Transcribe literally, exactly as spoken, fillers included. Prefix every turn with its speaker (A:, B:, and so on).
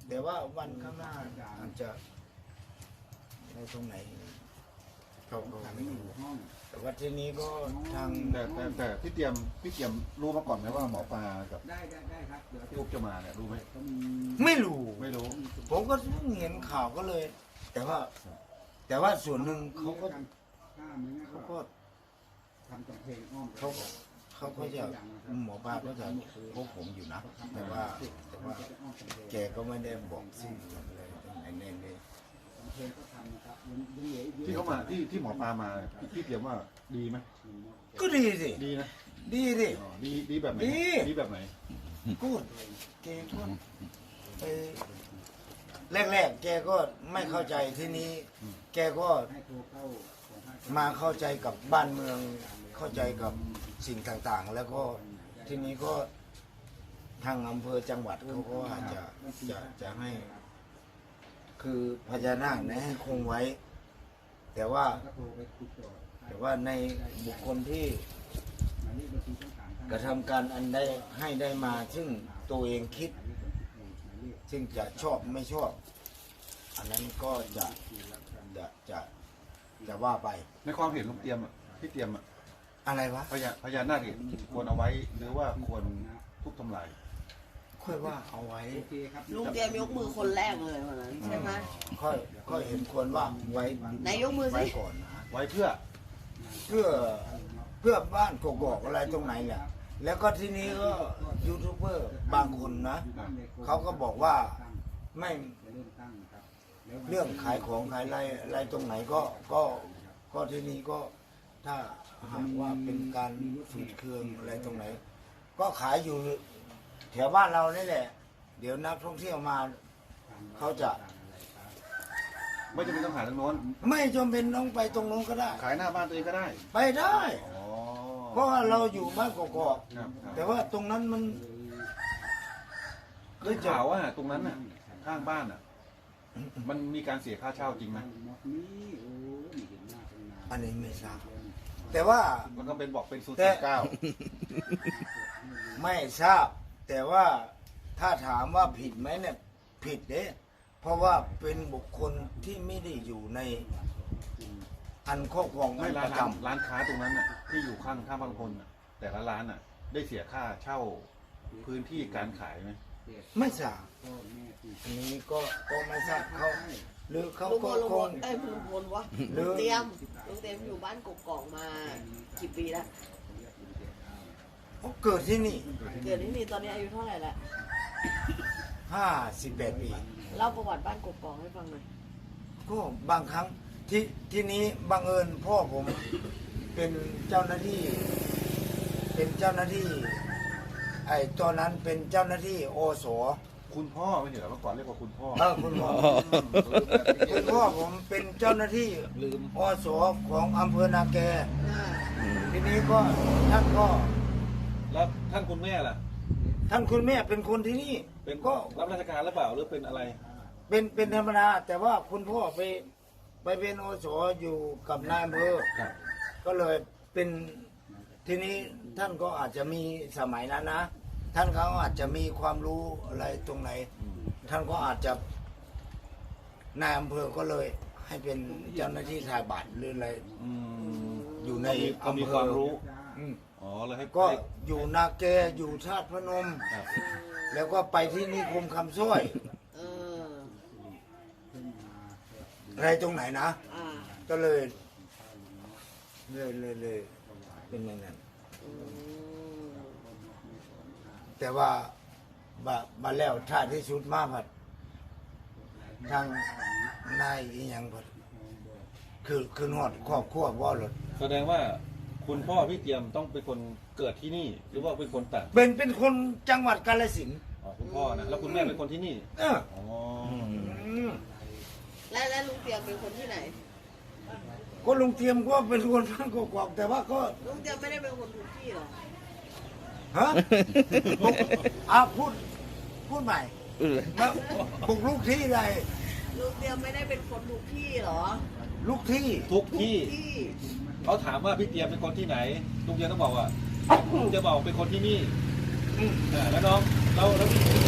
A: แต่ว่าวันข้างหน้าอาจจะในตรงไหนเขาก็ไม่รู้แต่ว่าทีนี้ก็ทาง
B: แต่แต่แต่พี่เตรียมพี่เตรียมรู้มาก่อนไหมว่าหมอปลากับ
C: ได้ได้ได้ครับเดี๋ยว
B: ทุกจะมาเนี่ยรู้ไหม
C: เขามี
A: ไม่รู้
B: ไม่รู้
A: ผมก็เพิ่งเห็นข่าวก็เลย แต่ว่า แต่ว่าส่วนหนึ่งเขาก็
C: ถ้าเหมือนงั้น
A: เขา
C: ก็
A: ก็
C: ทำกำแพงอ้อม
A: เขาเขาก็จะหมอปลาก็จะพบผมอยู่นะแต่ว่าแต่ว่าแกก็ไม่ได้บอกชื่ออะไรตรงไหนแน่เลย
C: กำแพงก็ทำนะครับยังยังเหลืออีกเยอะ
B: ที่เขามาที่ที่หมอปลามาพี่พี่เตรียมว่าดีไหม
A: ก็ดีสิ
B: ดีนะ
A: ดีสิ
B: อ๋อดีดีแบบไหน
A: ดี
B: ดีแบบไหน
A: กูดแกก็ไปแรกๆแกก็ไม่เข้าใจที่นี้ แกก็
C: ให้โทรเข้าของภาค
A: มาเข้าใจกับบ้านเมืองเข้าใจกับสิ่งต่างๆ แล้วก็ทีนี้ก็ทางอำเภอจังหวัดเขาก็อาจจะจะจะให้ คือพญานาคนะให้คงไว้ แต่ว่า
C: ก็โทรไปติดต่อ
A: แต่ว่าในบุคคลที่
C: หมายเลขบัญชีช่องสามท่าน
A: กระทำการอันได้ให้ได้มา ซึ่งตัวเองคิด
C: หมายเลข
A: ซึ่งจะชอบไม่ชอบ อันนั้นก็จะจะจะจะว่าไป
B: ในความเห็นลุงเตรียมอ่ะพี่เตรียมอ่ะ
A: อะไรวะ
B: พญาพญานาคเนี่ยควรเอาไว้หรือว่าควรทุบทำลาย
A: ค่อยว่าเอาไว้
C: โอเคครับ
D: ลุงเตรียมยกมือคนแรกเลยวันนั้นใช่ไหม
A: ค่อยค่อยเห็นควรว่าไว้
D: ไหนยกมือสิ
A: ไว้ก่อนนะ
B: ไว้เพื่อ
A: เพื่อเพื่อบ้านกกอกอะไรตรงไหนแหละแล้วก็ทีนี้ก็ยูทูบเบอร์บางคนนะเขาก็บอกว่าไม่
C: จะเริ่มตั้งครับ
A: เรื่องขายของขายอะไรอะไรตรงไหนก็ก็ก็ทีนี้ก็ถ้าหากว่าเป็นการฝืดเคืองอะไรตรงไหน ก็ขายอยู่แถวบ้านเรานี่แหละ เดี๋ยวนักท่องเที่ยวมาเขาจะ
B: ไม่จำเป็นต้องหาทางโน้น
A: ไม่จำเป็นต้องไปตรงนู้นก็ได้
B: ขายหน้าบ้านตัวเองก็ได้
A: ไปได้
B: อ๋อ
A: เพราะว่าเราอยู่บ้านกกอก
B: ครับครับ
A: แต่ว่าตรงนั้นมัน
B: ได้ข่าวว่าตรงนั้นน่ะข้างบ้านอ่ะ มันมีการเสียค่าเช่าจริงไหม
C: นี่โอ้ไม่เห็นหน้าตั้งนาน
A: อันนี้ไม่ทราบแต่ว่า
B: แล้วก็เป็นบอกเป็นศูนย์
A: แต่
B: เก้า
A: ไม่ทราบ แต่ว่าถ้าถามว่าผิดไหมเนี่ยผิดเด้เพราะว่าเป็นบุคคลที่ไม่ได้อยู่ในอันครอบครอง
B: ไม่
A: ป
B: ร้าน
A: ระจ
B: ร้านค้าตรงนั้นน่ะที่อยู่ข้างข้างบางคนน่ะแต่ละร้านน่ะ ได้เสียค่าเช่าพื้นที่การขายไหม
A: ำไม่ทราบ
C: พ่อแม่ตี
A: อันนี้ก็ก็ไม่ทราบเขาหรือเขา
D: ลุงพ
A: ก็
D: ลลุง
A: ค
D: พ
A: ง
D: ลเอ้ยลุงพลวะ
A: หรือ
D: ลุงเตรียมลุงเตรียมอยู่บ้านกกอกมากี่ปีแล้ว
A: เขาเกิดที่นี่
D: เกิดที่นี่ตอนนี้อายุเท่าไหร่ละ
A: ห้าสิบแปดปี
D: เล่าประวัติบ้านกกอกให้ฟังหน่อย
A: ก็บางครั้งที่ที่นี้บังเอิญพ่อผมเป็นเจ้าหน้าที่ เป็นเจ้าหน้าที่ ไอ้ตอนนั้นเป็นเจ้าหน้าที่โอส
B: คุณพ่อไม่ใช่เหรอเมื่อก่อนเรียกว่าคุณพ่อ
A: เออคุณพ่อคุณพ่อผมเป็นเจ้าหน้าที่โอสของอำเภอนาแก
D: อ่า
A: ทีนี้ก็ท่านก็
B: แล้วท่านคุณแม่ล่ะ
A: ท่านคุณแม่เป็นคนที่นี่
B: เป็น
A: ก็
B: รับราชการหรือเปล่าหรือเป็นอะไร
A: เป็นเป็นธรรมดาแต่ว่าคุณพ่อไปไปเป็นโอสอยู่กับนายอำเภอ
B: ครับ
A: ก็เลยเป็นทีนี้ท่านก็อาจจะมีสมัยนั้นนะ ท่านเขาอาจจะมีความรู้อะไรตรงไหน ท่านก็อาจจะนายอำเภอก็เลยให้เป็นเจ้าหน้าที่ถ่ายบัตรหรืออะไร
B: อืม
A: อยู่ใน
B: ก็มี
A: อำเภอ
B: ความรู้
A: อืม
B: อ๋อเลยให้
A: ก็อยู่นาแกอยู่ธาตุพนม
B: ครับ
A: แล้วก็ไปที่นิคมคำสร้อย
D: เออ
A: อะไรตรงไหนนะ
D: อ่า
A: ก็เลยเลยเลยเลยเป็นอย่างนั้น
D: อืม
A: แต่ว่าบาบาแล้วท่าที่สุดมากผัดทางนายอีหยังผัดคือคือหอดครอบครัวว่าหลด
B: แสดงว่าคุณพ่อพี่เตรียมต้องเป็นคนเกิดที่นี่ หรือว่าเป็นคนต่าง
A: เป็นเป็นคนจังหวัดกาฬสินธุ์
B: อ๋อคุณพ่อนะแล้วคุณแม่เป็นคนที่นี่
A: เออ
B: อ๋อ
A: อืม
D: และและลุงเตรียมเป็นคนที่ไหน
A: ก็ลุงเทียมก็เป็นคนบ้านกอกๆแต่ว่าก็
D: ลุงเตรียมไม่ได้เป็นคนทุกที่หรอ
A: ฮะบุกอ่ะพูดพูดใหม่มาบุกลูกที่ใด
D: ลุงเตรียมไม่ได้เป็นคนทุกที่หรอ
A: ลูกที่
B: ทุกที่
D: ที่
B: เขาถามว่าพี่เตรียมเป็นคนที่ไหนลุงเตรียมต้องบอกว่าลุงจะบอกเป็นคนที่นี่
A: อืม
B: อ่าแล้วน้องแล้วแล้วพี่